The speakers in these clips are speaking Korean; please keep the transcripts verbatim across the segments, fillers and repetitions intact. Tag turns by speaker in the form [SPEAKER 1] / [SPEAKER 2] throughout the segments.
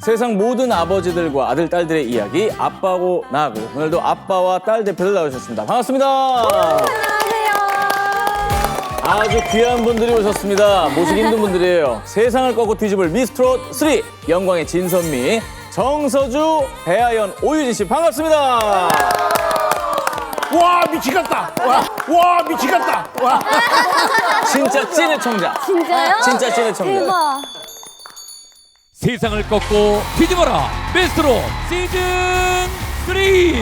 [SPEAKER 1] 세상 모든 아버지들과 아들, 딸들의 이야기 아빠고 나고 오늘도 아빠와 딸 대표들 나오셨습니다. 반갑습니다.
[SPEAKER 2] 안녕하세요.
[SPEAKER 1] 아주 귀한 분들이 오셨습니다. 모시기 힘든 분들이에요. 세상을 꺾고 뒤집을 미스트롯 삼 영광의 진선미, 정서주, 배아연, 오유진 씨 반갑습니다.
[SPEAKER 3] 와 미치겠다. 와, 와 미치겠다. 와.
[SPEAKER 1] 진짜 찐의 청자.
[SPEAKER 2] 진짜요?
[SPEAKER 1] 진짜 찐의 청자.
[SPEAKER 2] 대박.
[SPEAKER 4] 세상을 꺾고 뒤집어라 미스트롯 시즌 삼.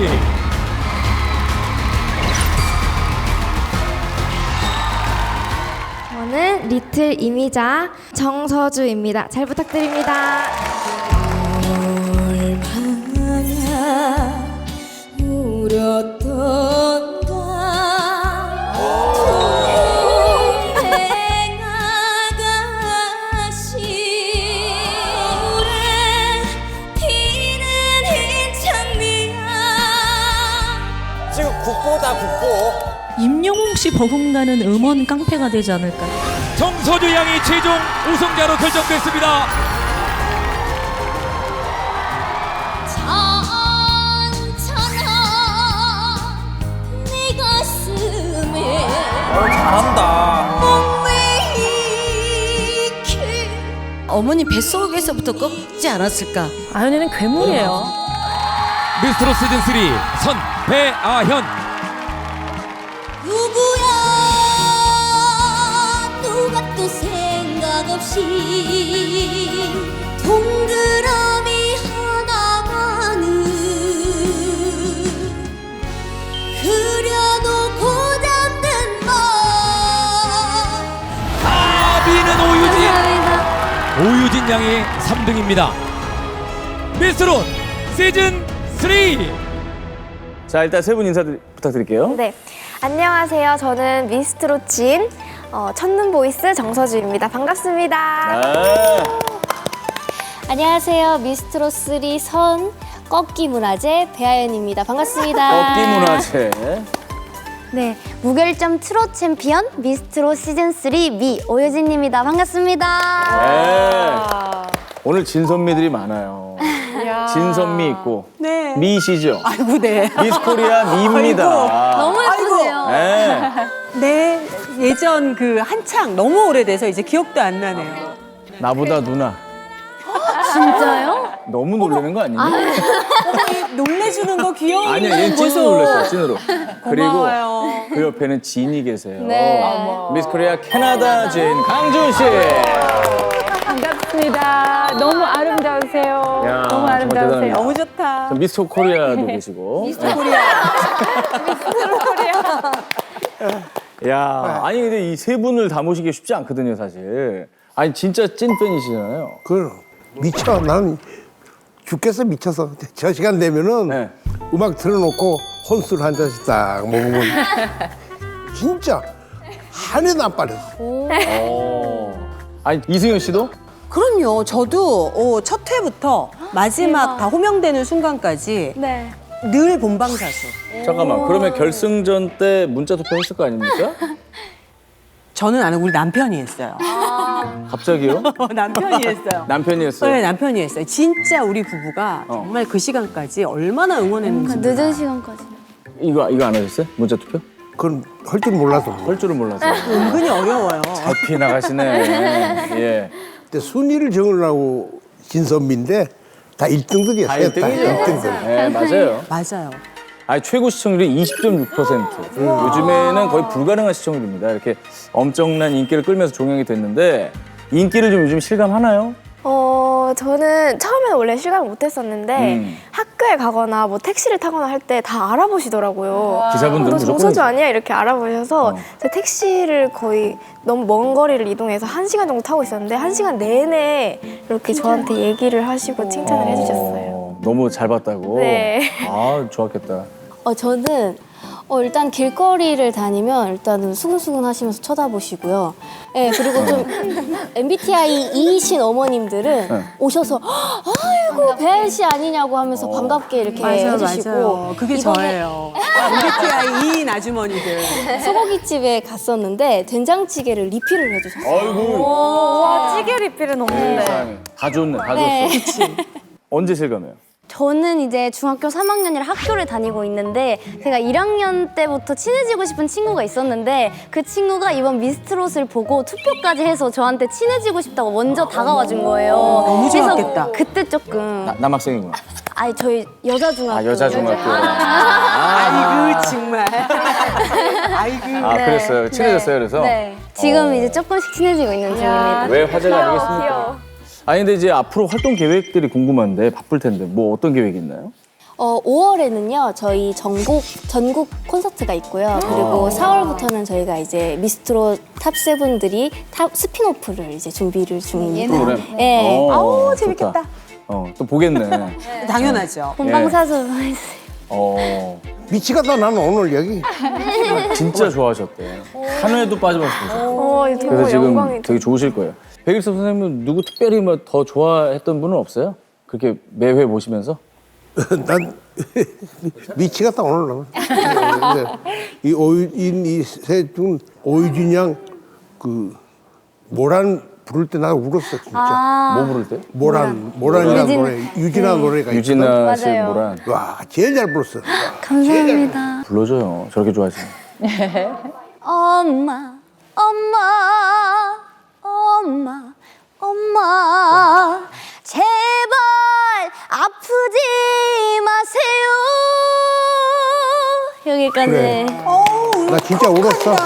[SPEAKER 2] 저는 리틀 이미자 정서주입니다. 잘 부탁드립니다. 얼마나 울었던가 동행 아가씨 물에 피는 흰창미야.
[SPEAKER 3] 지금 국보다 국보.
[SPEAKER 5] 임영웅 씨 버금가는 음원 깡패가 되지 않을까.
[SPEAKER 4] 정서주 양이 최종 우승자로 결정됐습니다.
[SPEAKER 2] 천천아 네 가슴에
[SPEAKER 3] 잘한다.
[SPEAKER 2] 몽매이키.
[SPEAKER 5] 어머니 뱃속에서부터 꺾지 않았을까.
[SPEAKER 6] 아연이는 괴물이에요.
[SPEAKER 4] 미스트롯 시즌 삼 선 배아현.
[SPEAKER 2] 누구야 누가 또 생각 없이 동그라미 하나만은 그려놓고 잠든 맘.
[SPEAKER 4] 아비는 오유진. 오유진 양이 삼 등입니다. 미스트롯 시즌 삼.
[SPEAKER 1] 자, 일단 세 분 인사 부탁드릴게요.
[SPEAKER 7] 네, 안녕하세요. 저는 미스트롯 진 어, 첫눈 보이스 정서주입니다. 반갑습니다.
[SPEAKER 1] 네.
[SPEAKER 2] 안녕하세요. 미스트롯 삼 선 꺾기 문화재 배아연입니다. 반갑습니다.
[SPEAKER 1] 꺾기 문화재.
[SPEAKER 7] 네, 무결점 트롯 챔피언 미스트롯 시즌 삼 미 오유진입니다. 반갑습니다.
[SPEAKER 1] 네. 오늘 진선미들이 많아요. 진선미 있고
[SPEAKER 6] 네.
[SPEAKER 1] 미시죠.
[SPEAKER 6] 아이고, 네.
[SPEAKER 1] 미스코리아 미입니다.
[SPEAKER 2] 너무 예쁘세요.
[SPEAKER 1] 네.
[SPEAKER 6] 네, 예전 그 한창 너무 오래돼서 이제 기억도 안 나네요.
[SPEAKER 1] 나보다 누나.
[SPEAKER 2] 진짜요?
[SPEAKER 1] 너무 놀라는 거 아니니?
[SPEAKER 6] 놀래주는 거 귀여운
[SPEAKER 1] 아니야, 얘는
[SPEAKER 6] 모습.
[SPEAKER 1] 찐으로 놀랐어요, 찐으로. 그리고
[SPEAKER 6] 고마워요.
[SPEAKER 1] 그 옆에는 진이 계세요.
[SPEAKER 2] 네.
[SPEAKER 1] 미스코리아 캐나다 진 강준 씨.
[SPEAKER 8] 반갑습니다. 너무 아름다우세요.
[SPEAKER 1] 야,
[SPEAKER 8] 너무
[SPEAKER 1] 정말
[SPEAKER 8] 아름다우세요.
[SPEAKER 1] 대단합니다.
[SPEAKER 6] 너무 좋다.
[SPEAKER 1] 저 미스터 코리아도 계시고.
[SPEAKER 6] 미스터 코리아.
[SPEAKER 1] 야, 아니 근데 이 세 분을 다 모시기 쉽지 않거든요, 사실. 아니 진짜 찐 팬이시잖아요.
[SPEAKER 3] 그 미쳐. 나는 죽겠어 미쳐서 저 시간 되면은
[SPEAKER 1] 네.
[SPEAKER 3] 음악 틀어놓고 혼술 한 잔씩 딱 먹으면 진짜 한 해도 안 빠졌어.
[SPEAKER 1] 어. 아니 이승현 씨도?
[SPEAKER 6] 그럼요. 저도 어, 첫 회부터 마지막 다 호명되는 순간까지
[SPEAKER 7] 네.
[SPEAKER 6] 늘 본방사수.
[SPEAKER 1] 잠깐만. 그러면 결승전 때 문자 투표 했을 거 아닙니까?
[SPEAKER 6] 저는 안 하고 우리 남편이 했어요.
[SPEAKER 1] 갑자기요?
[SPEAKER 6] 남편이 했어요.
[SPEAKER 1] 남편이 했어요.
[SPEAKER 6] 네, 남편이 했어요. 진짜 우리 부부가
[SPEAKER 1] 어.
[SPEAKER 6] 정말 그 시간까지 얼마나 응원했는지. 몰라.
[SPEAKER 7] 늦은 시간까지.
[SPEAKER 1] 이거 이거 안 하셨어요? 문자 투표?
[SPEAKER 3] 그건 할 줄 몰라서.
[SPEAKER 1] 할 줄은 몰라서.
[SPEAKER 6] 은근히 어려워요.
[SPEAKER 1] 잡히 나가시네. 예.
[SPEAKER 3] 근데 순위를 정하려고 진선미인데 다 일 등들이었어요.
[SPEAKER 1] 다 일 등이죠.
[SPEAKER 3] 일 등들.
[SPEAKER 1] 네, 맞아요.
[SPEAKER 6] 맞아요.
[SPEAKER 1] 아니 최고 시청률이 이십 점 육 퍼센트. 요즘에는 거의 불가능한 시청률입니다. 이렇게 엄청난 인기를 끌면서 종영이 됐는데 인기를 좀 요즘 실감하나요?
[SPEAKER 7] 어, 저는 처음에는 원래 실감을 못했었는데
[SPEAKER 1] 음.
[SPEAKER 7] 학교에 가거나 뭐 택시를 타거나 할 때 다 알아보시더라고요.
[SPEAKER 1] 기사분들은
[SPEAKER 7] 너
[SPEAKER 1] 무조건
[SPEAKER 7] 정서주 아니야? 이렇게 알아보셔서
[SPEAKER 1] 어.
[SPEAKER 7] 제가 택시를 거의 너무 먼 거리를 이동해서 한 시간 정도 타고 있었는데 한 시간 내내 이렇게 저한테 얘기를 하시고 칭찬을 해주셨어요.
[SPEAKER 1] 어, 너무 잘 봤다고?
[SPEAKER 7] 네.
[SPEAKER 1] 아, 좋았겠다.
[SPEAKER 2] 어, 저는 어, 일단 길거리를 다니면 일단은 수근수근 하시면서 쳐다보시고요. 네, 그리고 좀 엠비티아이이신 어머님들은
[SPEAKER 1] 네.
[SPEAKER 2] 오셔서 아이고 배아연 씨 아니냐고 하면서 반갑게 이렇게
[SPEAKER 6] 맞아요,
[SPEAKER 2] 해주시고
[SPEAKER 6] 맞아요. 그게
[SPEAKER 2] 이번에
[SPEAKER 6] 저예요. 엠비티아이인 아주머니들.
[SPEAKER 2] 소고기집에 갔었는데 된장찌개를 리필을 해주셨어요.
[SPEAKER 1] 아이고.
[SPEAKER 8] 와, 찌개 리필은 없는데.
[SPEAKER 1] 세상에. 다 줬네, 다
[SPEAKER 2] 네.
[SPEAKER 1] 줬어. 언제 실감해요?
[SPEAKER 9] 저는 이제 중학교 삼 학년이라 학교를 다니고 있는데 제가 일 학년 때부터 친해지고 싶은 친구가 있었는데 그 친구가 이번 미스트롯을 보고 투표까지 해서 저한테 친해지고 싶다고 먼저 다가와 준 거예요.
[SPEAKER 6] 너무
[SPEAKER 9] 그래서
[SPEAKER 6] 좋았겠다.
[SPEAKER 9] 그때 조금
[SPEAKER 1] 나, 남학생이구나.
[SPEAKER 9] 아니 저희 여자 중학교
[SPEAKER 1] 아, 여자 중학교.
[SPEAKER 6] 아이고 정말. 아이고.
[SPEAKER 1] 아,
[SPEAKER 9] 네.
[SPEAKER 1] 그랬어요. 친해졌어요, 그래서?
[SPEAKER 9] 네. 지금
[SPEAKER 1] 어.
[SPEAKER 9] 이제 조금씩 친해지고 있는 중입니다.
[SPEAKER 1] 왜 화제가
[SPEAKER 7] 귀여워,
[SPEAKER 1] 아니겠습니까?
[SPEAKER 7] 귀여워.
[SPEAKER 1] 아니, 근데 이제 앞으로 활동 계획들이 궁금한데 바쁠 텐데 뭐 어떤 계획이 있나요?
[SPEAKER 2] 어, 오월에는요 저희 전국 전국 콘서트가 있고요. 그리고 사월부터는 저희가 이제 미스트롯 탑 세븐들이 탑 스피노프를 이제 준비를 중입니다.
[SPEAKER 1] 프로그램?
[SPEAKER 2] 네.
[SPEAKER 1] 어,
[SPEAKER 6] 아우,
[SPEAKER 1] 좋다.
[SPEAKER 6] 재밌겠다.
[SPEAKER 1] 어, 또 보겠네.
[SPEAKER 6] 당연하죠.
[SPEAKER 9] 본방사수 보내주세요.
[SPEAKER 1] 어,
[SPEAKER 3] 미치겠다 나는 오늘 여기.
[SPEAKER 1] 진짜 좋아하셨대. 한 회도 빠짐없이.
[SPEAKER 7] 어, 이거
[SPEAKER 1] 그래서 지금
[SPEAKER 7] 영광이
[SPEAKER 1] 되게 좋으실 거예요. 백일섭 선생님은 누구 특별히 뭐 더 좋아했던 분은 없어요? 그렇게 매회 보시면서?
[SPEAKER 3] 난 미치겠다 오늘 나는. 이 오유진 이셋중 오유진 양그 모란 부를 때 나 울었어 진짜.
[SPEAKER 1] 뭐 부를 때?
[SPEAKER 3] 모란 모란이라는
[SPEAKER 9] 유진.
[SPEAKER 3] 노래 유진아 노래가 있거든.
[SPEAKER 1] 유진아 씨
[SPEAKER 9] 맞아요.
[SPEAKER 1] 뭐란
[SPEAKER 3] 와 제일 잘 불렀어.
[SPEAKER 9] 감사합니다.
[SPEAKER 1] 불러줘요. 저렇게 좋아하시면.
[SPEAKER 9] 엄마, 엄마, 엄마, 엄마, 제발 아프지 마세요. 여기까지.
[SPEAKER 3] 그래. 나 진짜 울었어.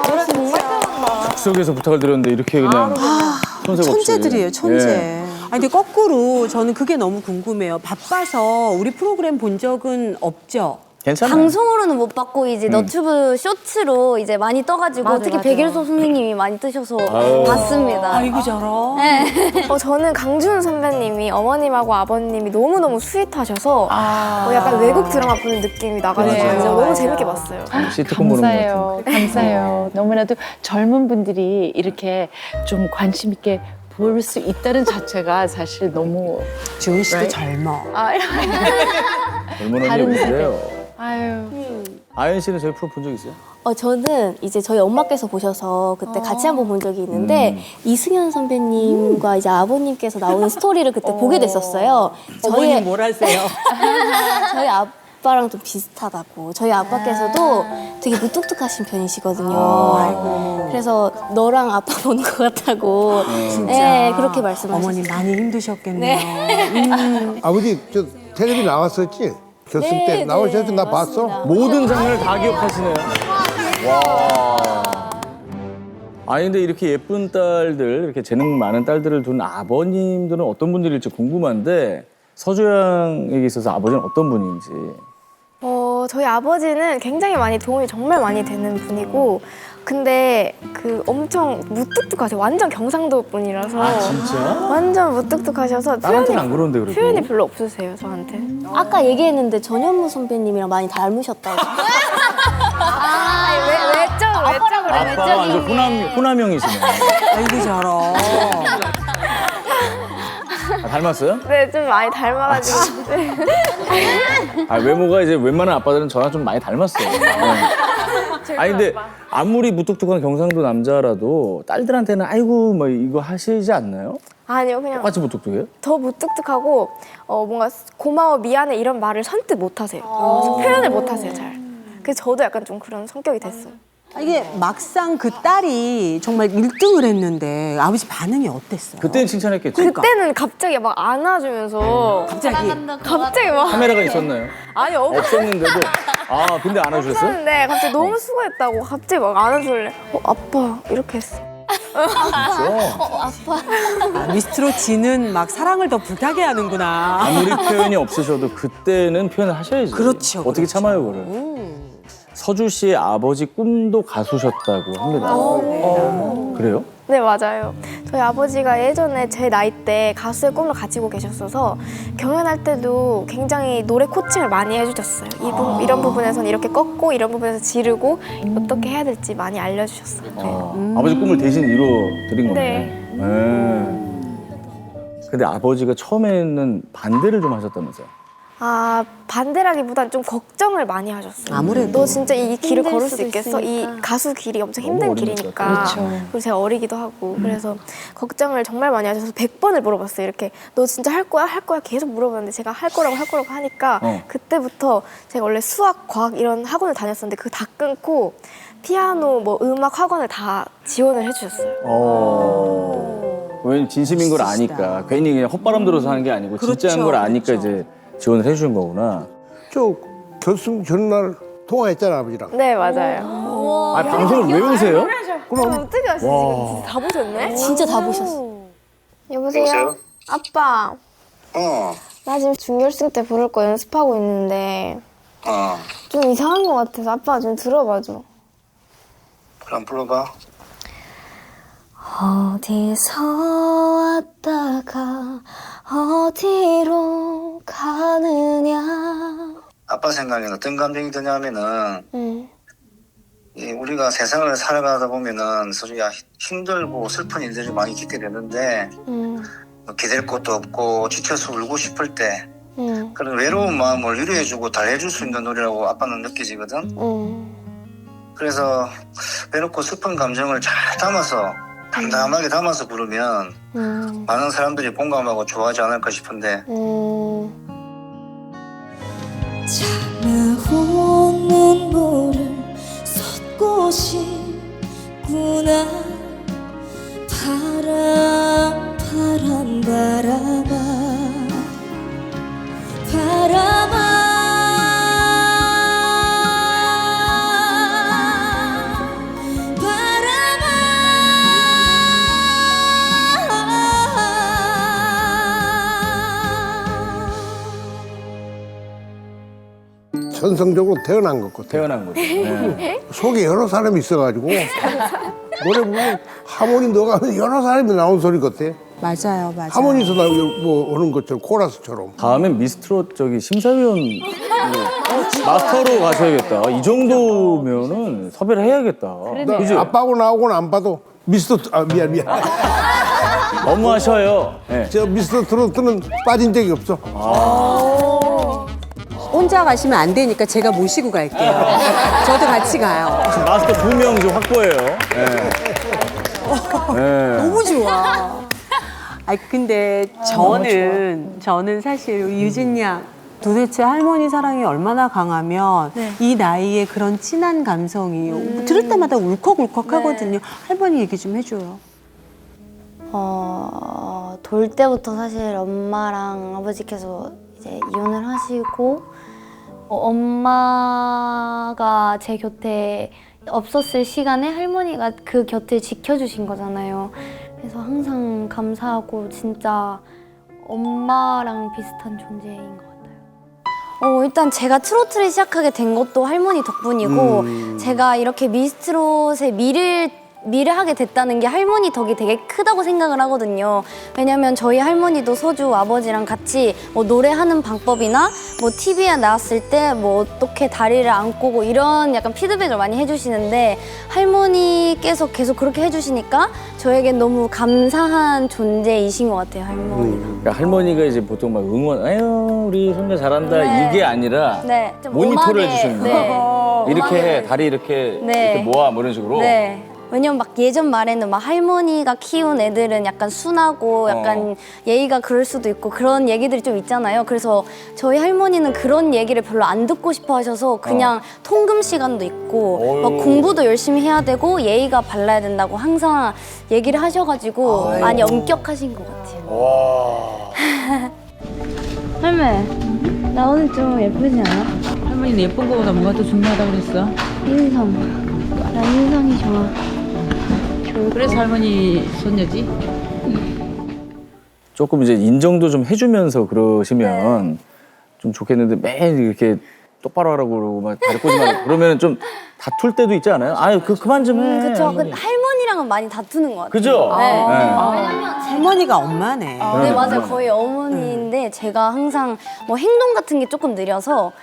[SPEAKER 1] 즉석에서 부탁을 드렸는데 이렇게 그냥 손색 없이.
[SPEAKER 6] 천재들이에요, 천재.
[SPEAKER 1] 예.
[SPEAKER 6] 아니 근데 거꾸로 저는 그게 너무 궁금해요. 바빠서 우리 프로그램 본 적은 없죠?
[SPEAKER 1] 괜찮아요.
[SPEAKER 9] 방송으로는 못 봤고 이제 너튜브 쇼츠로 이제 많이 떠가지고
[SPEAKER 8] 맞아,
[SPEAKER 9] 특히
[SPEAKER 8] 맞아.
[SPEAKER 9] 백일섭 선생님이 많이 뜨셔서
[SPEAKER 1] 아유.
[SPEAKER 9] 봤습니다.
[SPEAKER 6] 아이고 저런.
[SPEAKER 7] 어, 저는 강준 선배님이 어머님하고 아버님이 너무너무 스윗하셔서 어, 약간 외국 드라마 보는 느낌이 나가지고
[SPEAKER 8] 그래요,
[SPEAKER 7] 너무
[SPEAKER 8] 맞아요.
[SPEAKER 7] 재밌게 봤어요.
[SPEAKER 1] 시트콤 보는 것 같은.
[SPEAKER 8] 감사해요. 감사해요. 너무나도 젊은 분들이 이렇게 좀 관심 있게 볼 수 있다는 자체가 사실 너무
[SPEAKER 6] 지훈 씨도
[SPEAKER 8] Right?
[SPEAKER 6] 젊어.
[SPEAKER 8] 아,
[SPEAKER 1] 얼마나
[SPEAKER 8] 다른
[SPEAKER 1] 예쁜데요.
[SPEAKER 8] 아유.
[SPEAKER 1] 아연 씨는 저희 프로 본 적 있어요?
[SPEAKER 2] 어, 저는 이제 저희 엄마께서 보셔서 그때 같이 한번 본 적이 있는데
[SPEAKER 1] 음.
[SPEAKER 2] 이승현 선배님과 이제 아버님께서 나오는 스토리를 그때 보게 됐었어요.
[SPEAKER 6] 어머님 뭘 하세요?
[SPEAKER 2] 저희 아빠랑 좀 비슷하다고. 저희 아빠께서도 되게 무뚝뚝하신 편이시거든요. 그래서 너랑 아빠 보는 것 같다고. 네, 그렇게 말씀하셨어요.
[SPEAKER 6] 어머님 많이 힘드셨겠네요.
[SPEAKER 3] 아버지 저 텔레비 나왔었지? 결승
[SPEAKER 2] 네,
[SPEAKER 3] 때
[SPEAKER 2] 네,
[SPEAKER 3] 나오셨을 때 나 봤어.
[SPEAKER 2] 맞습니다.
[SPEAKER 1] 모든 장면을 다 기억하시네요. 와. 아니 근데 이렇게 예쁜 딸들, 이렇게 재능 많은 딸들을 둔 아버님들은 어떤 분들일지 궁금한데 서주양에게 있어서 아버지는 어떤 분인지.
[SPEAKER 7] 어, 저희 아버지는 굉장히 많이 도움이 정말 많이 되는 분이고 근데 그 엄청 무뚝뚝하세요. 완전 경상도 분이라서
[SPEAKER 1] 아, 진짜?
[SPEAKER 7] 완전 무뚝뚝하셔서
[SPEAKER 1] 딸한테는 안 그러는데 그래도.
[SPEAKER 7] 표현이 별로 없으세요, 저한테.
[SPEAKER 2] 아까 얘기했는데 전현무 선배님이랑 많이 닮으셨다고.
[SPEAKER 7] 아, 왜, 외적으로, 외적으로.
[SPEAKER 1] 아빠가 완전 호남, 호남형이시네.
[SPEAKER 6] 아이고 저런.
[SPEAKER 1] 아, 닮았어요?
[SPEAKER 7] 네, 좀 많이 닮아가지고. 네.
[SPEAKER 1] 아, 외모가 이제 웬만한 아빠들은 저랑 좀 많이 닮았어요. 네. 아니 근데 아무리 무뚝뚝한 경상도 남자라도 딸들한테는 아이고 뭐 이거 하시지 않나요?
[SPEAKER 7] 아니요, 그냥
[SPEAKER 1] 똑같이 무뚝뚝해요?
[SPEAKER 7] 더 무뚝뚝하고 어, 뭔가 고마워, 미안해 이런 말을 선뜻 못 하세요. 표현을 못 하세요, 잘. 그래서 저도 약간 좀 그런 성격이 됐어요.
[SPEAKER 6] 아, 이게 막상 그 딸이 정말 일 등을 했는데 아버지 반응이 어땠어요?
[SPEAKER 1] 그때는 칭찬했겠죠.
[SPEAKER 6] 그러니까.
[SPEAKER 7] 그때는 갑자기 막 안아주면서
[SPEAKER 6] 갑자기
[SPEAKER 7] 갑자기 막
[SPEAKER 1] 카메라가 있었나요?
[SPEAKER 7] 아니 없
[SPEAKER 1] 없었는데도 아 근데 안아주셨어요?
[SPEAKER 7] 없었는데 갑자기 너무 수고했다고 갑자기 막 안아줄래. 어, 아빠 이렇게 했어.
[SPEAKER 6] 아, 미스트롯 지는 막 사랑을 더 불타게 하는구나.
[SPEAKER 1] 아무리 표현이 없으셔도 그때는 표현을 하셔야지.
[SPEAKER 6] 그렇죠,
[SPEAKER 1] 어떻게
[SPEAKER 6] 그렇죠.
[SPEAKER 1] 참아요 그걸? 서주 씨의 아버지 꿈도 가수셨다고 합니다. 어, 그래요?
[SPEAKER 7] 네, 맞아요. 저희 아버지가 예전에 제 나이 때 가수의 꿈을 가지고 계셨어서 경연할 때도 굉장히 노래 코칭을 많이 해주셨어요. 이 부, 이런 부분에서는 이렇게 꺾고 이런 부분에서 지르고 어떻게 해야 될지 많이 알려주셨어요. 네.
[SPEAKER 1] 아, 아버지 꿈을 대신 이뤄 드린 거네. 네. 근데 아버지가 처음에는 반대를 좀 하셨다면서요?
[SPEAKER 7] 아 반대라기보단 좀 걱정을 많이 하셨어요.
[SPEAKER 6] 아무래도.
[SPEAKER 7] 너 진짜 이 길을
[SPEAKER 9] 힘들
[SPEAKER 7] 걸을 수
[SPEAKER 9] 수도
[SPEAKER 7] 있겠어? 이
[SPEAKER 9] 있으니까.
[SPEAKER 7] 가수 길이 엄청
[SPEAKER 1] 너무
[SPEAKER 7] 힘든
[SPEAKER 1] 어린 것
[SPEAKER 7] 길이니까.
[SPEAKER 1] 같아요.
[SPEAKER 7] 그리고 제가 어리기도 하고 그래서 걱정을 정말 많이 하셔서 백 번을 물어봤어요. 이렇게 너 진짜 할 거야? 할 거야? 계속 물어봤는데 제가 할 거라고 할 거라고 하니까
[SPEAKER 1] 어.
[SPEAKER 7] 그때부터 제가 원래 수학, 과학 이런 학원을 다녔었는데 그거 다 끊고 피아노, 뭐 음악 학원을 다 지원을 해주셨어요.
[SPEAKER 1] 어. 왜냐면 진심인 걸 아니까 괜히 그냥 헛바람 들어서 하는 게 아니고 진짜인 걸 아니까 이제 지원을 해주신 거구나.
[SPEAKER 3] 저 결승 전날 통화했잖아 아버지랑.
[SPEAKER 7] 네 맞아요.
[SPEAKER 1] 아 방송을 왜 보세요?
[SPEAKER 7] 그럼 어떻게 아시지? 다 보셨네?
[SPEAKER 2] 진짜 다 보셨어.
[SPEAKER 7] 여보세요? 아빠.
[SPEAKER 10] 어,
[SPEAKER 7] 나 지금 준결승 때 부를 거 연습하고 있는데
[SPEAKER 10] 어.
[SPEAKER 7] 좀 이상한 것 같아서 아빠가 좀 들어봐줘.
[SPEAKER 10] 그럼 불러봐.
[SPEAKER 7] 어디서 왔다가 어디로 가느냐.
[SPEAKER 10] 아빠 생각에는 어떤 감정이 드냐면은,
[SPEAKER 7] 응.
[SPEAKER 10] 이 우리가 세상을 살아가다 보면은, 솔직히 힘들고 슬픈 일들이 많이 있게 되는데,
[SPEAKER 7] 응.
[SPEAKER 10] 뭐 기댈 곳도 없고, 지쳐서 울고 싶을 때,
[SPEAKER 7] 응.
[SPEAKER 10] 그런 외로운 마음을 위로해주고 달래줄 수 있는 노래라고 아빠는 느껴지거든.
[SPEAKER 7] 응.
[SPEAKER 10] 그래서, 외롭고 슬픈 감정을 잘 담아서, 담담하게 담아서 부르면,
[SPEAKER 7] 응.
[SPEAKER 10] 많은 사람들이 공감하고 좋아하지 않을까 싶은데,
[SPEAKER 7] 응.
[SPEAKER 2] 차가운 눈물을 쏟고 싶구나. 바람 바람 바람아 바람아
[SPEAKER 3] 천성적으로 태어난 것 같아.
[SPEAKER 1] 태어난 거죠. 네.
[SPEAKER 3] 속에 여러 사람이 있어가지고 노래 부르면 하모니 넣어가면 여러 사람이 나온 소리 같아.
[SPEAKER 6] 맞아요, 맞아요.
[SPEAKER 3] 하모니에서 나 뭐 오는 것처럼 코러스처럼.
[SPEAKER 1] 다음엔 미스트롯 저기 심사위원 마스터로 가셔야겠다. 이 정도면은 섭외를 해야겠다.
[SPEAKER 3] 나
[SPEAKER 1] 그죠?
[SPEAKER 3] 아빠하고 나하고는 안 봐도 미스터 아 미안 미안.
[SPEAKER 1] 너무하셔요. 네.
[SPEAKER 3] 저 미스터 트로트는 빠진 적이 없어.
[SPEAKER 6] 혼자 가시면 안 되니까 제가 모시고 갈게요. 저도 같이 가요.
[SPEAKER 1] 지금 마스터 두 명 좀 확보해요. 네. 네.
[SPEAKER 6] 너무 좋아. 아 근데 저는 저는 사실 유진 양 도대체 할머니 사랑이 얼마나 강하면 이 나이에 그런 진한 감성이 들을 때마다 울컥울컥 하거든요. 할머니 얘기 좀 해줘요.
[SPEAKER 9] 어, 돌 때부터 사실 엄마랑 아버지께서 이제 이혼을 하시고 어, 엄마가 제 곁에 없었을 시간에 할머니가 그 곁을 지켜주신 거잖아요. 그래서 항상 감사하고 진짜 엄마랑 비슷한 존재인 것 같아요. 어, 일단 제가 트로트를 시작하게 된 것도 할머니 덕분이고
[SPEAKER 3] 음.
[SPEAKER 9] 제가 이렇게 미스트롯의 미를 미를 하게 됐다는 게 할머니 덕이 되게 크다고 생각을 하거든요. 왜냐면 저희 할머니도 서주 아버지랑 같이 뭐 노래하는 방법이나 뭐 티비에 나왔을 때 뭐 어떻게 다리를 안 꼬고 이런 약간 피드백을 많이 해주시는데 할머니께서 계속 그렇게 해주시니까 저에겐 너무 감사한 존재이신 것 같아요, 할머니가.
[SPEAKER 1] 그러니까 할머니가 이제 보통 막 응원, 아유 우리 손자 잘한다
[SPEAKER 9] 네.
[SPEAKER 1] 이게 아니라
[SPEAKER 9] 네, 좀
[SPEAKER 1] 모니터를
[SPEAKER 9] 엄하게,
[SPEAKER 1] 해주시는 거야.
[SPEAKER 9] 네.
[SPEAKER 1] 이렇게 해, 다리 이렇게
[SPEAKER 9] 네.
[SPEAKER 1] 이렇게 모아 뭐 이런 식으로.
[SPEAKER 9] 네. 왜냐면 막 예전 말에는 막 할머니가 키운 애들은 약간 순하고 약간
[SPEAKER 1] 어.
[SPEAKER 9] 예의가 그럴 수도 있고 그런 얘기들이 좀 있잖아요. 그래서 저희 할머니는 그런 얘기를 별로 안 듣고 싶어 하셔서 그냥 통금 시간도 있고
[SPEAKER 1] 어휴.
[SPEAKER 9] 막 공부도 열심히 해야 되고 예의가 발라야 된다고 항상 얘기를 하셔가지고 많이 엄격하신 것 같아요.
[SPEAKER 1] 와.
[SPEAKER 9] 할매, 나 오늘 좀 예쁘지 않아?
[SPEAKER 5] 할머니는 예쁜 거보다 뭐가 더 중요하다고 그랬어?
[SPEAKER 9] 인성. 나 인성이 좋아.
[SPEAKER 5] 그래서 할머니 손녀지?
[SPEAKER 1] 조금 이제 인정도 좀 해주면서 그러시면 좀 좋겠는데 매일 이렇게 똑바로 하라고 그러고 막 다리 꼬지 말고 그러면 좀 다툴 때도 있지 않아요? 아유 그 그만 좀 해.
[SPEAKER 9] 음, 그쵸. 그
[SPEAKER 1] 할머니.
[SPEAKER 9] 할머니랑은 많이 다투는 것 같아요.
[SPEAKER 1] 그죠?
[SPEAKER 9] 네.
[SPEAKER 1] 네.
[SPEAKER 6] 할머니가 엄마네.
[SPEAKER 9] 네, 맞아요. 거의 어머니인데 제가 항상 뭐 행동 같은 게 조금 느려서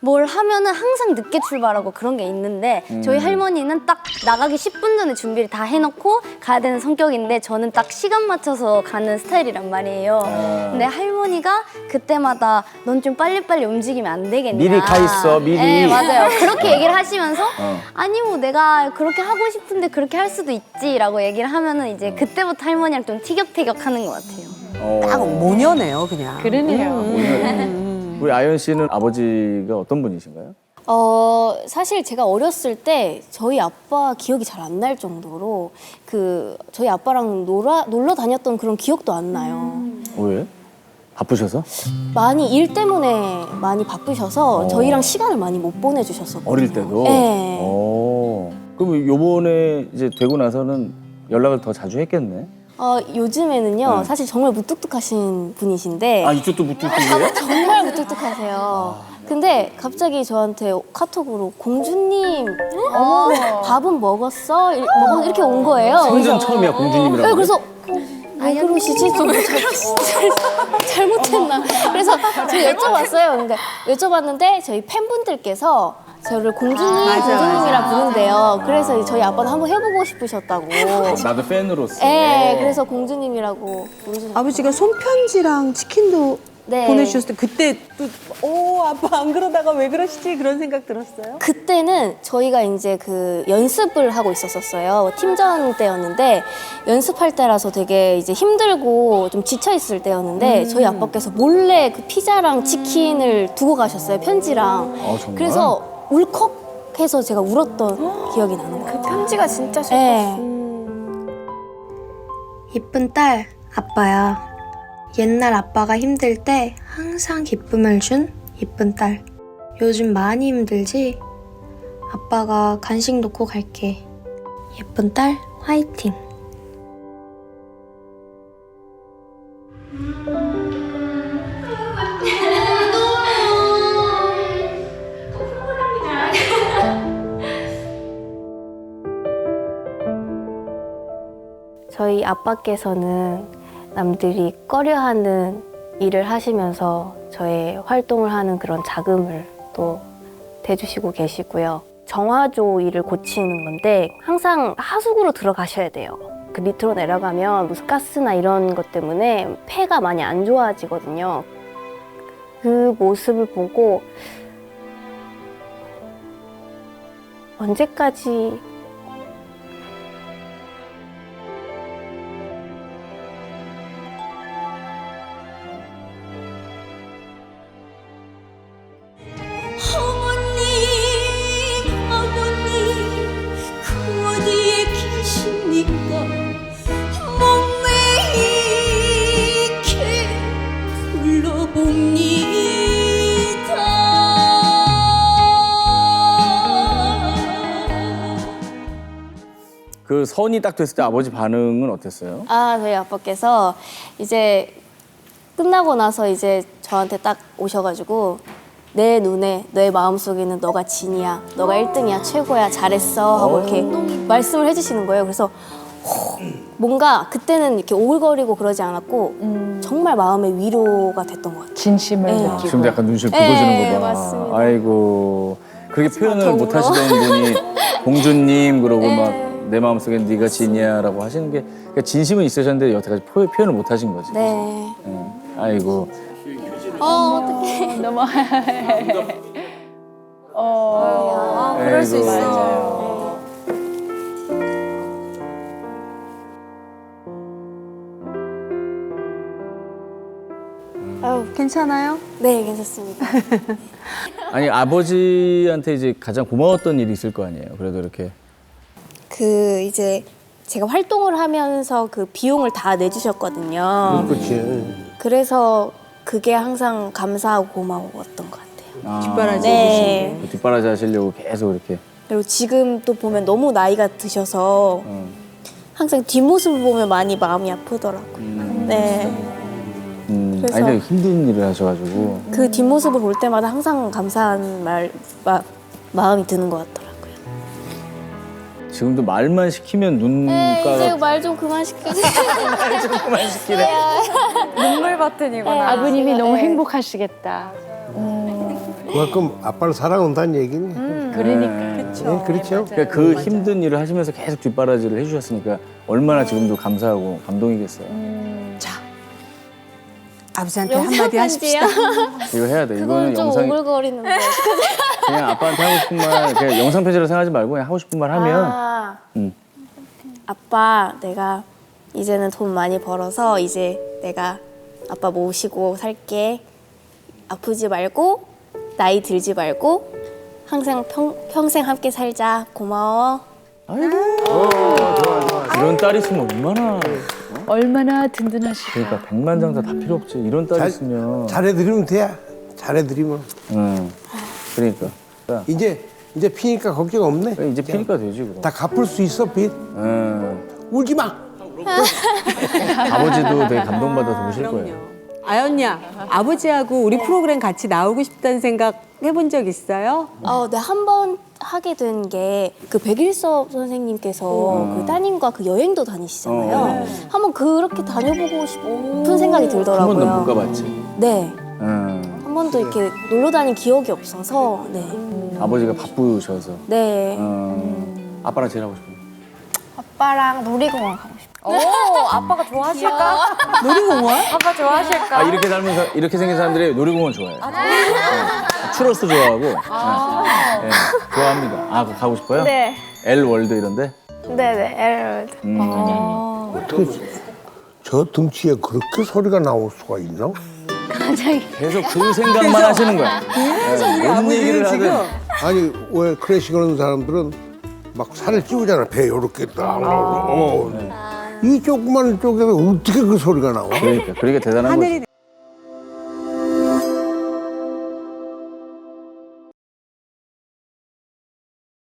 [SPEAKER 9] 뭘 하면은 항상 늦게 출발하고 그런 게 있는데 저희 할머니는 딱 나가기 십 분 전에 준비를 다 해놓고 가야 되는 성격인데 저는 딱 시간 맞춰서 가는 스타일이란 말이에요. 근데 할머니가 그때마다 넌 좀 빨리빨리 움직이면 안 되겠냐.
[SPEAKER 1] 미리 가 있어, 미리.
[SPEAKER 9] 네, 맞아요. 그렇게 얘기를 하시면서
[SPEAKER 1] 어.
[SPEAKER 9] 아니 뭐 내가 그렇게 하고 싶은데 그렇게 할 수도 있지라고 얘기를 하면은 이제 그때부터 할머니랑 좀 티격태격하는 것 같아요.
[SPEAKER 1] 어.
[SPEAKER 6] 딱 모녀네요, 그냥.
[SPEAKER 8] 그러네요.
[SPEAKER 1] 우리 아연 씨는 아버지가 어떤 분이신가요?
[SPEAKER 2] 어, 사실 제가 어렸을 때 저희 아빠 기억이 잘 안 날 정도로 그 저희 아빠랑 놀아, 놀러 다녔던 그런 기억도 안 나요.
[SPEAKER 1] 왜? 바쁘셔서?
[SPEAKER 2] 많이 일 때문에 많이 바쁘셔서
[SPEAKER 1] 어.
[SPEAKER 2] 저희랑 시간을 많이 못 보내주셨었거든요.
[SPEAKER 1] 어릴 때도?
[SPEAKER 2] 네.
[SPEAKER 1] 어. 그럼 요번에 이제 되고 나서는 연락을 더 자주 했겠네?
[SPEAKER 2] 어, 요즘에는요,
[SPEAKER 1] 네.
[SPEAKER 2] 사실 정말 무뚝뚝하신 분이신데
[SPEAKER 1] 아, 이쪽도 무뚝뚝이에요?
[SPEAKER 2] 정말 무뚝뚝하세요. 근데 갑자기 저한테 카톡으로 공주님, 어, 밥은 먹었어? 이- 먹었 이렇게 온 거예요.
[SPEAKER 1] 생전 처음이야, 공주님이라고.
[SPEAKER 2] 네, 그래서 왜 그러시지? 좀 잘- 잘못했나? 그래서 제가 여쭤봤어요. 근데 여쭤봤는데 저희 팬분들께서 저를 공주님,
[SPEAKER 6] 맞아,
[SPEAKER 2] 공주님이라 부른대요. 그래서 저희 아빠는 한번 해보고 싶으셨다고.
[SPEAKER 1] 나도 팬으로서.
[SPEAKER 2] 네, 그래서 공주님이라고 부르셨어요.
[SPEAKER 6] 아버지가 손편지랑 치킨도
[SPEAKER 2] 네.
[SPEAKER 6] 보내주셨을 때 그때 또 오 아빠 안 그러다가 왜 그러시지 그런 생각 들었어요?
[SPEAKER 2] 그때는 저희가 이제 그 연습을 하고 있었었어요. 팀전 때였는데 연습할 때라서 되게 이제 힘들고 좀 지쳐 있을 때였는데 저희 아빠께서 몰래 그 피자랑 치킨을 두고 가셨어요. 편지랑.
[SPEAKER 1] 어, 정말?
[SPEAKER 2] 그래서 울컥해서 제가 울었던 기억이 나는 것 같아요.
[SPEAKER 7] 편지가 진짜 슬펐어.
[SPEAKER 2] 네.
[SPEAKER 11] 이쁜 딸, 아빠야. 옛날 아빠가 힘들 때 항상 기쁨을 준 이쁜 딸. 요즘 많이 힘들지? 아빠가 간식 놓고 갈게. 예쁜 딸, 화이팅.
[SPEAKER 2] 저희 아빠께서는 남들이 꺼려하는 일을 하시면서 저의 활동을 하는 그런 자금을 또 대주시고 계시고요. 정화조 일을 고치는 건데 항상 하수구로 들어가셔야 돼요. 그 밑으로 내려가면 무슨 가스나 이런 것 때문에 폐가 많이 안 좋아지거든요. 그 모습을 보고 언제까지
[SPEAKER 12] 어머님, 아버님, 그 어디에 계십니까? 목매 이렇게 불러봅니다.
[SPEAKER 1] 그 선이 딱 됐을 때 아버지 반응은 어땠어요?
[SPEAKER 2] 아, 저희 아빠께서 이제 끝나고 나서 이제 저한테 딱 오셔가지고 내 눈에 내 마음속에는 너가 진이야, 너가 일 등이야, 최고야, 잘했어 하고 이렇게 말씀을 해주시는 거예요. 그래서 호, 뭔가 그때는 이렇게 오글거리고 그러지 않았고 정말 마음의 위로가 됐던 것 같아요.
[SPEAKER 8] 진심을
[SPEAKER 2] 네.
[SPEAKER 8] 느끼고.
[SPEAKER 1] 지금도 약간 눈시울
[SPEAKER 2] 네,
[SPEAKER 1] 붉어지는 거 봐.
[SPEAKER 2] 맞습니다.
[SPEAKER 1] 아이고. 그렇게 표현을
[SPEAKER 2] 더
[SPEAKER 1] 못
[SPEAKER 2] 울어.
[SPEAKER 1] 하시던 분이 공주님 그러고
[SPEAKER 2] 네.
[SPEAKER 1] 막 내 마음속엔 네가 진이야라고 하시는 게 그러니까 진심은 있으셨는데 여태까지 표, 표현을 못 하신 거지.
[SPEAKER 2] 네.
[SPEAKER 1] 응. 아이고.
[SPEAKER 2] 어, 어떡해.
[SPEAKER 8] 너무. 어.
[SPEAKER 1] 아, 그럴 수 있어.
[SPEAKER 8] 맞아요.
[SPEAKER 2] 아유,
[SPEAKER 6] 괜찮아요?
[SPEAKER 2] 네, 괜찮습니다.
[SPEAKER 1] 아니 아버지한테 이제 가장 고마웠던 일이 있을 거 아니에요. 그래도 이렇게.
[SPEAKER 2] 그 이제 제가 활동을 하면서 그 비용을 다 내주셨거든요.
[SPEAKER 3] 그렇지.
[SPEAKER 2] 그래서 그게 항상 감사하고 고마웠던 것 같아요.
[SPEAKER 1] 아,
[SPEAKER 6] 뒷바라지
[SPEAKER 2] 네.
[SPEAKER 1] 그 뒷바라지 하시려고 계속 이렇게.
[SPEAKER 2] 그리고 지금 또 보면 너무 나이가 드셔서
[SPEAKER 1] 어.
[SPEAKER 2] 항상 뒷모습을 보면 많이 마음이 아프더라고요.
[SPEAKER 1] 음.
[SPEAKER 2] 네.
[SPEAKER 1] 음.
[SPEAKER 2] 그래서-
[SPEAKER 1] 아니 근데 힘든 일을 하셔가지고.
[SPEAKER 2] 그 뒷모습을 볼 때마다 항상 감사한 말, 마, 마음이 드는 것 같더라고요.
[SPEAKER 1] 지금도 말만 시키면 눈가가
[SPEAKER 2] 말 좀 그만 시켜주세요.
[SPEAKER 1] 좀 그만 시키래.
[SPEAKER 8] 눈물 버튼이구나. 아버님이 너무 행복하시겠다.
[SPEAKER 3] 그만큼 아빠를 사랑한다는 얘기네.
[SPEAKER 8] 그러니까.
[SPEAKER 3] 네, 그렇죠.
[SPEAKER 1] 그러니까 그 힘든 일을 하시면서 계속 뒷바라지를 해주셨으니까 얼마나 지금도 감사하고 감동이겠어요.
[SPEAKER 6] 아버지한테 한마디 하십시다.
[SPEAKER 1] 이거 해야 돼. 이거는
[SPEAKER 2] 그건 좀
[SPEAKER 1] 영상
[SPEAKER 2] 오글거리는데.
[SPEAKER 1] 그냥 아빠한테 하고 싶은 말 그냥 영상 편지로 생각하지 말고 그냥 하고 싶은 말 하면
[SPEAKER 2] 아,
[SPEAKER 1] 음.
[SPEAKER 2] 아빠, 내가 이제는 돈 많이 벌어서 이제 내가 아빠 모시고 살게. 아프지 말고 나이 들지 말고 항상 평, 평생 함께 살자. 고마워.
[SPEAKER 1] 아이고 이런 딸 있으면 얼마나
[SPEAKER 8] 얼마나 든든하실까.
[SPEAKER 1] 그러니까 백만장자 다 필요 없지. 이런 딸
[SPEAKER 3] 잘-
[SPEAKER 1] 있으면
[SPEAKER 3] 잘해드리면 돼. 잘해드리면.
[SPEAKER 1] 응. 그러니까
[SPEAKER 3] 이제 이제 피니까 걱정 없네.
[SPEAKER 1] 이제 피니까 되지 그럼.
[SPEAKER 3] 다 갚을 수 있어 빚.
[SPEAKER 1] 응.
[SPEAKER 3] 울지 마.
[SPEAKER 1] 아버지도 되게 감동받아서 오실 거예요.
[SPEAKER 6] 아연야, 아버지하고 우리 프로그램 같이 나오고 싶다는 생각 해본 적 있어요?
[SPEAKER 2] 어, 네, 한 번 하게 된 게 그 백일섭 선생님께서 그 따님과 그 여행도 다니시잖아요.
[SPEAKER 1] 어.
[SPEAKER 2] 한번 그렇게 다녀보고 싶은 생각이 들더라고요.
[SPEAKER 1] 한 번도 못 가봤지.
[SPEAKER 2] 네.
[SPEAKER 1] 응.
[SPEAKER 2] 한 번도 이렇게 놀러 다닌 기억이 없어서. 네.
[SPEAKER 1] 아버지가 바쁘셔서.
[SPEAKER 2] 네.
[SPEAKER 1] 어. 아빠랑 제일 하고 싶은.
[SPEAKER 7] 아빠랑 놀이공원 가고 싶어요.
[SPEAKER 13] 오, 아빠가 좋아하실까?
[SPEAKER 6] 놀이공원?
[SPEAKER 13] 아빠 좋아하실까?
[SPEAKER 1] 아 이렇게 닮은 사, 이렇게 생긴 사람들이 놀이공원 좋아해요. 네. 추러스 좋아하고 네. 네. 좋아합니다. 아 그거 가고 싶어요?
[SPEAKER 7] 네.
[SPEAKER 1] L 월드 이런데?
[SPEAKER 7] 네네, 에르월드.
[SPEAKER 1] 음.
[SPEAKER 3] 어떻게 저 등치에 그렇게 소리가 나올 수가 있나?
[SPEAKER 1] 계속 그 생각만 하시는 거야. 네. 뭔 얘기를 하든.
[SPEAKER 3] 아니 왜 클래식 하는 사람들은 막 살을 찌우잖아. 배 요렇게 딱. 어. 이 조그만 쪽에서 어떻게 그 소리가 나와?
[SPEAKER 1] 그러니까 그러니까 대단한 거지.